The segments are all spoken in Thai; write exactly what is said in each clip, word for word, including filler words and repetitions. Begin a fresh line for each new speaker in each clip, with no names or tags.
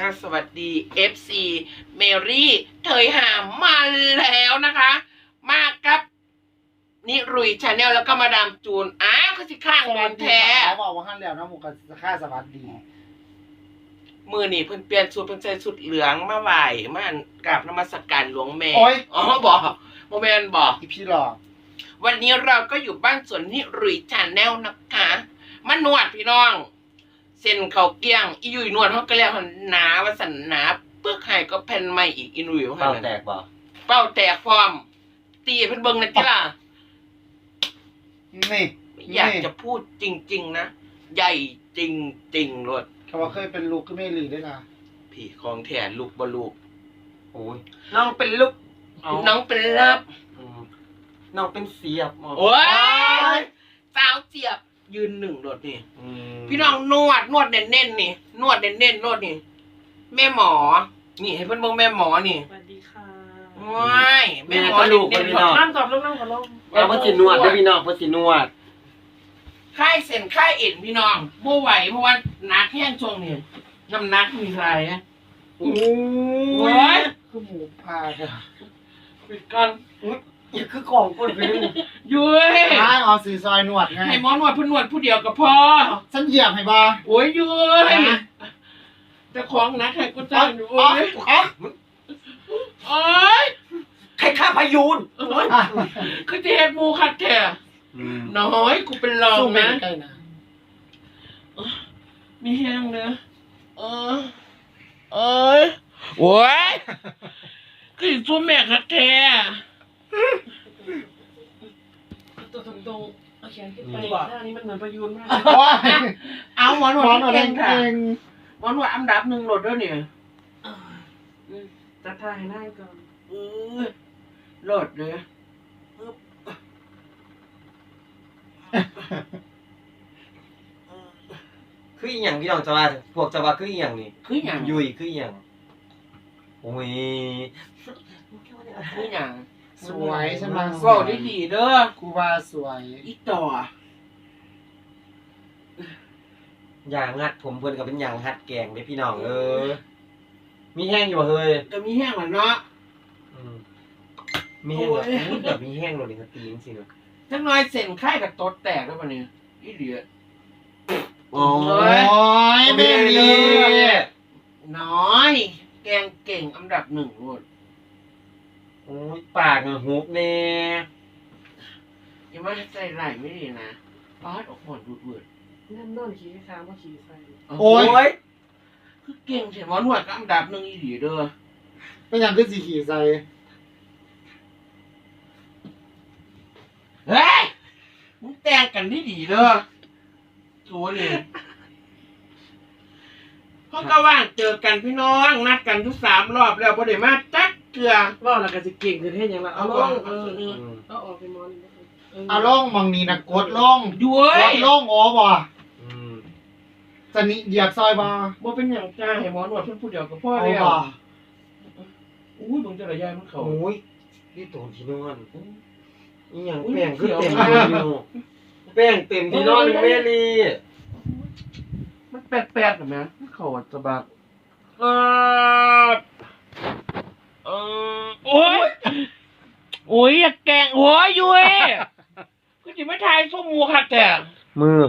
สวัสดี เอฟ ซี เมรี่เถยหามมาแล้วนะคะ มากับนิรุยชาแนลแล้วก็มาดามจูนอ้าวคือสิข้างโดนแท้
เขาบอกว่าขั้นแล้วนะหมูกับค่าสวัสดี
มือนี่เพิ่นเปลี่ยนชุดเพิ่นใส่ชุดเหลืองมาไหวมากราบนมัสการหลวงแม่อ๋อบอกโมเมนบอก
อีพี่หลอก
วันนี้เราก็อยู่บ้านสวนนิรุยชาแนลนะคะมานวดพี่น้องเส้นเขาเกี้ยงอียุยนวดเขาก็เรียกหนาว่าสันหนาเปลือกไห่ก็แผ่นใหม่อีกอีนุยว่า
เป้าแตกบ่
เป้าแตกพร้อมตีเพิ่นเบิ่งนะจ้า
นี่
อยากจะพูดจริงๆนะใหญ่จริงๆรถ
เขาว่าเคยเป็นลูกก็ไม่หลีด้วยนะ
พี่ของแทนลูกบ่ลูก
โอ้ยน้องเป็นลูก
น้องเป็นลับ
น้องเป็นเสียบ
โอ้ยสาวเจียบยืนหนึ่งรถนี่พี่น้องนวดนวดเน้นๆนี่นวดเน้นๆนวดนี่แม่หมอนี่ให้เพิ่นเบิ่งแม่หมอนี่
สวัสดีค่ะ
ว้าย
แม่ก็ลูกเพิ่นพี่น้อง
นั่งตอบลูกนั่งขอลง
เอาเพิ่นสินวดเด้อพี่น้องเพิ่นสินวด
ค่ายเส้นค่ายเอ็นพี่น้องบ่ไหวเพราะว่าหนักแห้งช่วงนี้น้ำหนักมีไรอ่ะ
โอ้ยคือหมูพาค่ะ
ปิดกัน
อย่าคือของคนเพิ่น
ยุ้ย
อ้าเอาสีซอยนวดไง
ให้หมอนวดเพิ่นนวดผู้เดียวก็พอ
ฉันเหยียบให้บ่
โอ้ยยุ้ยเจ้าของนักให้กูจ้างอยู่โอ้ยโอ้ย
ใครฆ่าพายูน
คือจะเฮ็ดหมู่คักแท้น้อยกูเป็นรองนะมีแห้งเด้อเออเอ้ยโอ้ยคือสู้แม่คักแท้
ตัวตรงๆเอาแขนขึ้นไปท่านี้มันเหมือนประยูนมาก
เอาหมอนวดเก่งค่ะ
ห
มอนวดอันดับหนึ่งโหลดด้วยเนี่ย
จัดท่าให้นั่งก่อน
เออโหลดเลย
คืออีหยังพี่น้องจะว่าพวกจะว่าคืออีหยังนี่
คือหยัง
ยุยคืออีหยังโอ้ย
คือหยัง
สวยใช่ไหม
ก็ได้ดีเด้อ
กูว่าสวย
อีต่อ
อย่างงัดผมเพิ่นก็เป็นอย่างหัดแกงเด้พี่น้องเออมีแห้งอยู่บ่เฮ้ย
ก็มีแห้งแล้วเนาะ
อืมมีแห้งแบบอู้แบบมีแห้งโลดนี่ก็ตีจังซี่เนาะ
จังน้อยเส้นไข้กับตดแตกแล้วบัดนี้อีเหลือ
โอ้
ยเบลี่
น้อยแกงเก่งอันดับหนึ่งโลด
โอ้ยปากอ่ะหุบแน่
อย่ามาใจไหลไม่ดีนะปาดออกหอนดูดเวิร์ด
นั่นนอนขี่ค้างว่าขี่ใส่
โอ้ยคือเก่งเฉยหมอนวดก็อันดับหนึ่งอีหลีเด้อ
เป็นอย่างคือสีขี่ใส่
เฮ้ยมึงแต่งกันดีดีเด้อโถ่นี่เขาก็ว่างเจอกันพี่น้องนัดกันทุกสามรอบแล้วพอได้มาจักเกลือ
ว่าเราก็จะเก่งคือเท่ยังละเอาลงเออเอาออกไปมอน
เอาลงมองนี่นะกดลง
ด้วย
กดลงโอ้บ่จะนี่เหยียบซอยบ่
บ่เป็นอย่างจ้าให้หมอนวดเพิ่นผู้เดียวก็พอแล้วอุ้ยมึงจะระยายมันเขา
โอ้ยนี่ตัวที่นอนอีหยังแป้งคือเต็มอยู่แป้งเต็มที่นอนแม่ลี
มันแปลกๆแบบนี้เขาจะบักเออเออโอ้ยโอ้ยอย่าแกงหัวยุ้ยก็จะไม่ทายส้มมูค่ะแต่
มือ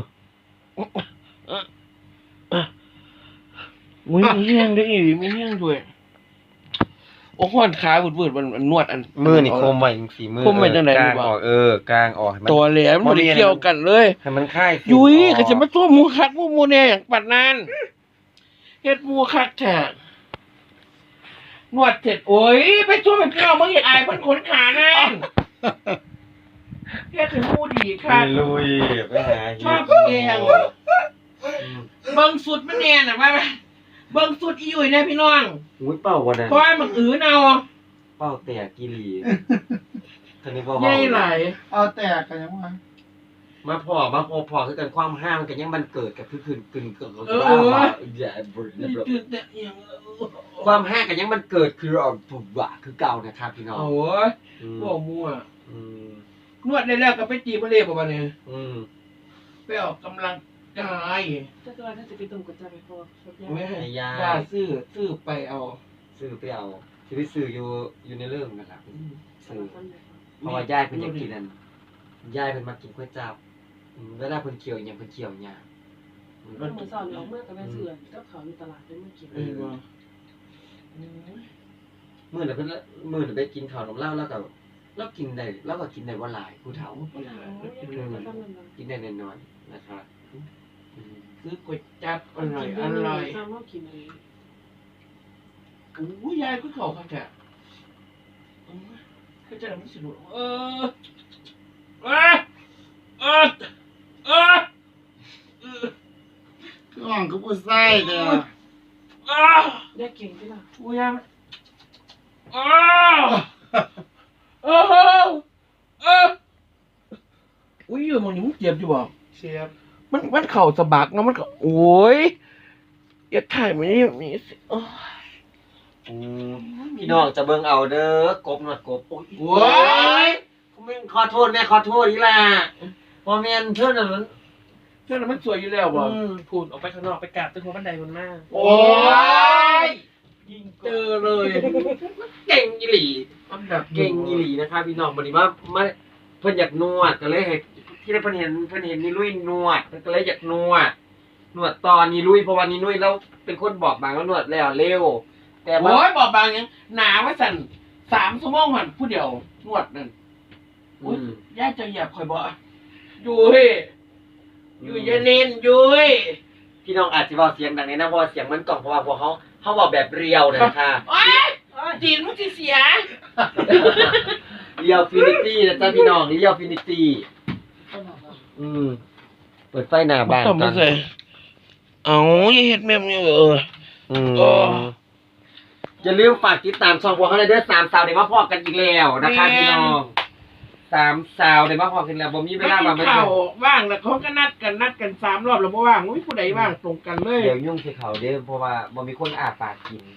มือมีแห้งได้อีกมีแห้งด้วยโอ้หอนขาบุดบุดมันนวดอัน
มือนี่คมไว้สีมือ
คมไว้จังไหน
กลางออกเออกลางออก
ตัวเหลี่ยมมันเกี่ยวกันเลย
ให้มันคลาย
ยุ้ยก็จะมาตัวมูคักมูมูเนี่ยอย่างปัดนานเฮ็ดมูคักแท้นวดเสร็จโอ้ยไปช่วยพี่น้องมึงอย่าอายมันขนขานั่นเฮ็ดถึงมูดีค่ะ
ลุยไปหา
ชอบเองเบิ่งสุดมันแน่น่ะว่าเบิ่งสุดอีอยู่เนี่ยพี่น้อง
อุ้ยเป่าวันนั้น
เพราะมันอื้อเนา
เป่าแตกกิลีท่านี้พอ
ใหญ่ไหล
เอาแตกกันยังวะ
มาพอมาพอพอคือกันความห้ามกันยังมันเกิดกับคือคืนคืนเกิดเอออย่าบริความห้ามกันยังมันเกิดคืออ่อนปุบวะคือเก่านะครับพี่น้อง
โอ้ยพวกมั่วนวดได้แล้วก็ไปจีบมาเลยประมาณนี้ไปออกกำลังกาย
ถ้าเกิดถ้าจะไปตุ่มกุญแจไปพอสักอย่าง
ไม่ให้ยาซื้อซื้อไปเอา
ซื้อไปเอาที่ไปซื้ออยู่อยู่ในเรื่องนั่นแหละซื้อเพราะว่ายายเพิ่นอยากกินนั่นยายเพิ่นมากินก๋วยจั๊บเวลาเพิ่นเคี่ยวอย่างเพิ่นเคี่ยวหยา
เมื่อสอนออกเมื่อกับแม่เสือเจ้าเขาอยู่ตลาดได้เมื่อกี้
เออว่า
มื้อน่ะเพิ่นมื้อน่ะไปกินข้าวนมเหล้าแล้วก็แล้วกินได้แล้วก็กินได้บ่หลายผู้เฒ่ากินได้น้อยๆนะครับ
ซื้อก๋วยจั๊บอร่อยอร่อย
ซ้ำว่ากินอะไร
โอ้ยยายก็เขาค่ะแกคือจะไม่สนุกเออเออเออเออ
เครื่องก็ผู้ใส่เด้อ
ได้เก่งที่ละ
โอ้ยยายเออเออเอออุ้ยอยู่มองนี่มึงเจ็บอยู่บ่
เชฟ
มันมันเข่าสะบักนะมันก็โอ้ยอย่าถ่ายมันนี่แบบนี้สิโอ้ย
พี่น้องจะเบิ่งเอาเด้อกบหนวดกบโอ้ย
โอ้ย
มึงขอโทษแม่ขอโทษอีหล่ะบ่แม่นเพิ่นน่ะมัน
เชื่อแล้วมันสวยอยู่แล้วบ่
พูดออกไปข้างนอกไปกราบตึกหัวบันไดบนมาก
โอ้ย
ยิง
เจอเลย
เก่งอีหลี
อันดับ
เก่งอีหลีนะครับพี่น้องบัดนี้ว่ามาเพิ่นอยากนวดก็เลยให้ที่ได้เพิ่นเห็นเพิ่นเห็นนี่ลุยนวดเพิ่นก็เลยอยากนวดนวดตอนนี้ลุยเพราะว่านี่ลุยแล้วเป็นคนบอกบางว่านวดแล้วเร็วแต่ว่า
โอ้ยบอกบางยังหนาว่าสั่นสามชั่วโมงหันผู้เดียวนวดนั่น
อืม
ย่าจะเหยียบคอยบ่อยู่เฮ้ยอยู่อยาเน้นอยู่เฮ้ย
พี่น้องอาจจะบอกเสียงดังในนะเพราะว่าเสียงมันกล่องเพราะว่าพวกเขาเขาบอกแบบเรียวนะคะ
โอ้ยจีนมันสิเสีย
เรียวฟินิตี้นะจ๊ะพี่น้องเรียวฟินิตี้อืมเปิดไฟหน้าบ้าน
ต้อง
กั
มาน ใส่เอาอย่าเฮ็ดแม่มนี่เออ
อืม
โอ้
อย่าลืมฝากติดตามช่องพวกเขาเลยเด้อสามสาวเดี๋ยวมาพอกันอีกแล้วนะคะพี่น้องสามสาวเดี๋ยวมาพอกันแล้วบ่มีเว
ไม่
ลา
กิ
มาน ไม่
ข้าวว่างแล้วเขาก็นัดกันนัดกันสามรอบแล้วบ่ว่างไม่มีผู้ใดว่างตรงกันเลย
เดี๋ยวยุ่งที่เขาเด้อเพราะว่าบ่มีคนอาปากกิน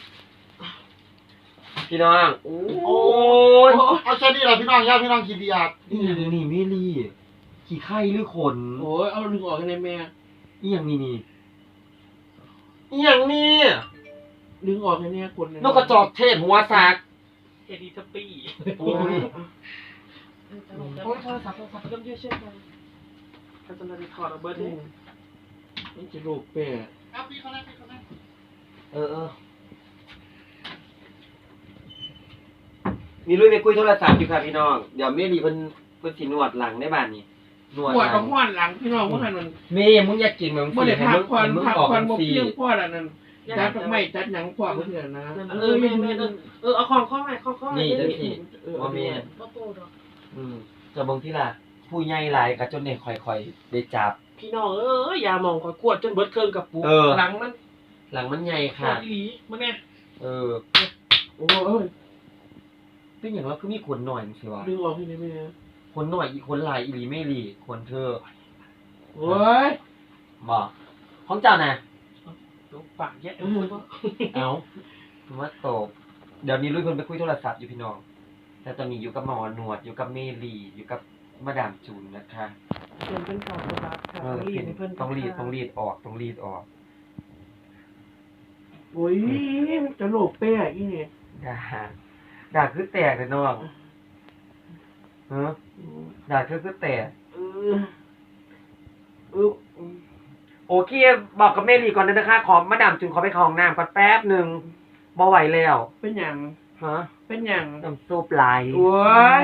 พี่น้องโอ้
โอ้
ย
ยเอาแค่นี้ล่ะพี่น้องญาติพี่น้องคิดดีอ่ะ
นี่นี่ไม่รีขี้ไข้หรือขน
โอ้ยเอาดึงออกให้ในแม่
อีหยังนี่นี่อีหยังนี่
ดึงออกให้เนี่ยคน
นกกระจอกเทศหัวสาก
เฮดีทัปปี้
โอ้ย
โอ้ยโทรศัพท์โทรศัพท์เริ่มเยอะเช่นกันการตลาดถอดเอาเบิร์ดเลย
นี่จะลูกแป้
เอาพี่เขาได้พี่เขาได้
เออเออมีลุยไปคุยโทรศัพท์อยู่ค่ะพี่น้องเดี๋ยวเมรีเพิ่นเพิ่นสินวดหลังในบ้านนี่นวด
ปวด
หลั
กับห้อนหลังพี่น้องว่าหันมัน
เมย์มึงอยากกินมึง
เมื่อไหร่พักผ่อน
มึง
พัก
ออก
ผ่อน
มึ
บ่
งสี่
เพียงพอแล้วนั่นจัดดอกไม้จัดหยังพอเพื่อนนะ
เออแม่แม่เออเอาของข้อใหม่ข้อข้อใหม่
นี่จังสิ
เออ
ว่าเมย์
บ่โตดอก
อืมจะเบิ่งที่ล่ะผู้ใหญ่หลายก็จนได้ค่อยๆได้จับ
พี่น้องเออยามองคอยกวดจนเบิร์ดเครื่องกับปุ๊
เออ
หลังมัน
หลังมันใหญ่
ขา
ค่ะ
ดอีหลีมึงเนี่ย
เออ
โอ้ย
เป็นอย่างว่าคือมีขนหน่อยสิวะ
ดึงออกให้ในแม่
ขนหน่อยอีกขนหลายอีหลีไม่หลีขนเธอ
โอ้ย
บอกของเจ้าน่ะ
ลูกปากแย่เออ
เอาผมว่าตบเดี๋ยวนี้ลุยเพิ่นไปคุยโทรศัพท์อยู่พี่น้อง แต่ตอนนี้อยู่กับหมอหนวดอยู่กับเมลีอยู่กับมาดามจูนนะคะ
เปลี่ยนเป็นข่าวโทรศัพท์ค่ะ
เออ
รีดให้เพิ่น
ต้องรีดต้องรีดออกต้องรีดออก
โอ้ยมันจะลูกแป้อีนี่
ด่าด่าคือแตกเลยน้องเออด่าคือคือแตก
เออเออ
โอเคบอกกับเมลีก่อนนะคะขอมาดามจูนขอไปเข้าห้องน้ำก่อนแป๊บหนึ่งบ่ไหวแล้ว
เป็นหยัง
ฮะ
เป็นหยัง
น้ำซุปไหล
โอ้ย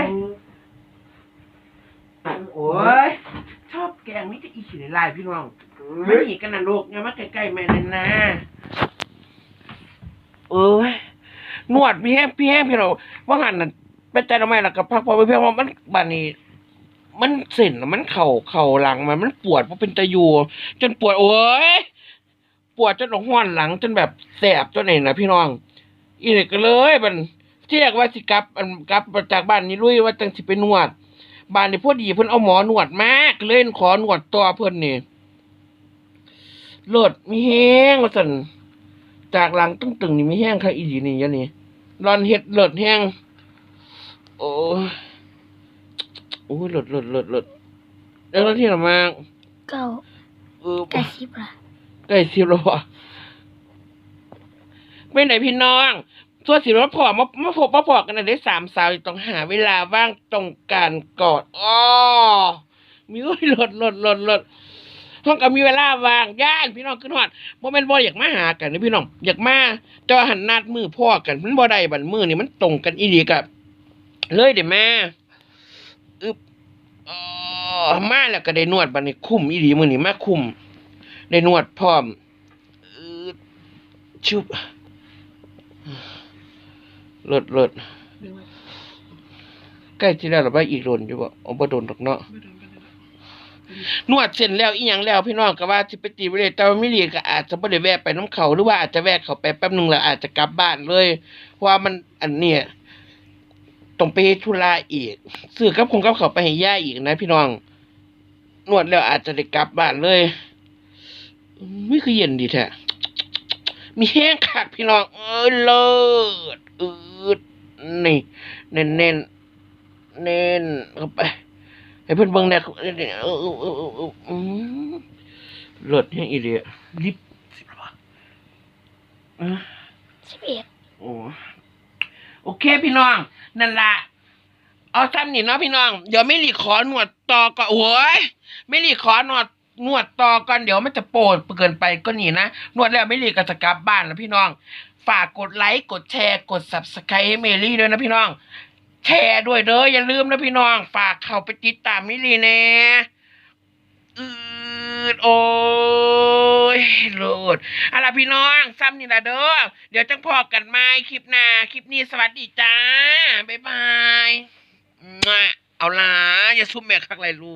โอ้ยชอบแกงนี่จะอีฉีดลายพี่น้องไม่หนีกันนะลูกอย่ามาใกล้ๆแม่เลยนะเอ้ยนวดพี่แห้งพี่แห้งพี่เราว่าหันน่ะไปใจทำไมล่ะกับพักพอไปเพียงว่ามันบานนี้มันเส้นมันเข่าเข่าหลังมันมันปวดเพราะเป็นตะยูจนปวดโอ้ยปวดจนห้อนหลังจนแบบแสบจนไหนนะพี่น้องอีนี่ก็เลยมันที่แรกว่าสิกลับอันกลับจากบ้านนี้ลุยว่าจังสิไปนวดบ้านนี้พอดีเพิ่นเอาหมอนวดมากเลยขอนวดตัวเพิ่นนี่เลิศมีแห้งว่าซั่นจากหลังตึงๆนี่มีแห้งค่ะอีหลีนี่ยะนี่รอนเฮ็ดเลิศแห้งโอ้ยโอ้ยเลิศเลิศเลิศเลิศแล้วที่ละมาก
เก้า
เออ
ไก่สิบละ
ใกล้สิบแล้วว่ะไม่ไหนพี่น้องส่วนสิรถพอมามาพบมาพอกันได้สามสาวต้องหาเวลาว่างตรงการกอดอ้อมีโอ้ยหลดหลดหลดหลดห้องก็มีเวลาว่างย่านพี่น้องขึ้นฮอดบ่แม่นบ่อยากมาหากันนะพี่น้องอยากมาแต่ว่าหันนัดมือพ่อกันมันบ่ได้บัดมือนี่มันตรงกันอีหลีกับเลยเด้แม่อึบอ๋อมาแล้วก็ได้นวดบัดนี้คุ้มอีหลีมื้อนี้มาคุ้มได้นวดพร้อมอืดชุบเลิศเลิศใกล้ที่แล้วหรือว่าอีกโดนอยู่บ่อ๋อบ่โดนดอกเนาะนวดเสร็จแล้วอีหยังแล้วพี่น้องก็ว่าสิไปตีไปเลยแต่ว่ามิลีก็อาจจะบ่ได้แวะไปน้ำเขาหรือว่าอาจจะแวะเขาไปแป๊บนึงแล้วอาจจะกลับบ้านเลยเพราะว่ามันอันเนี้ยต้องไปเฮ็ดธุระอีกซื้อกับคงกับเขาวไปให้ย่าอีกนะพี่น้องนวดแล้วอาจจะได้กลับบ้านเลยไม่คือเย็นดีแท้มีแห้งคักพี่น้องเอ้ยเลิศอืดนี่เน้นเน้นเน้นเข้าไปให้เพิ่นเบิ่งแน่เออเออเออเออเอออืมเลิศแฮงอีเดียลิปสิบละอ่ะ
สิบเอ็ด
โอ้โอเคพี่น้องนั่นล่ะเอาซ้ำนี่เนาะพี่น้องเดี๋ยวไม่รีขอหนวดต่อก่อนโอ้ยไม่รีขอหนวดนวดต่อก่อนเดี๋ยวมันจะโปรดเกินไปก็นี่นะนวดแล้วไม่รีก็จะกลับบ้านแล้วพี่น้องฝากกดไลค์กดแชร์กด ซับสไครบ์ ให้เมลี่ด้วยนะพี่น้องแชร์ด้วยเด้ออย่าลืมนะพี่น้องฝากเข้าไปติดตามมิลลี่แน่อืดโอ้ยโลดเอาล่ะพี่น้องซ้ำนี่ละเด้อเดี๋ยวจังพอกันใหม่คลิปหน้าคลิปนี้สวัสดีจ้าบ๊ายบายเอาล่ะอย่าซุ่มแม่คักไรลูก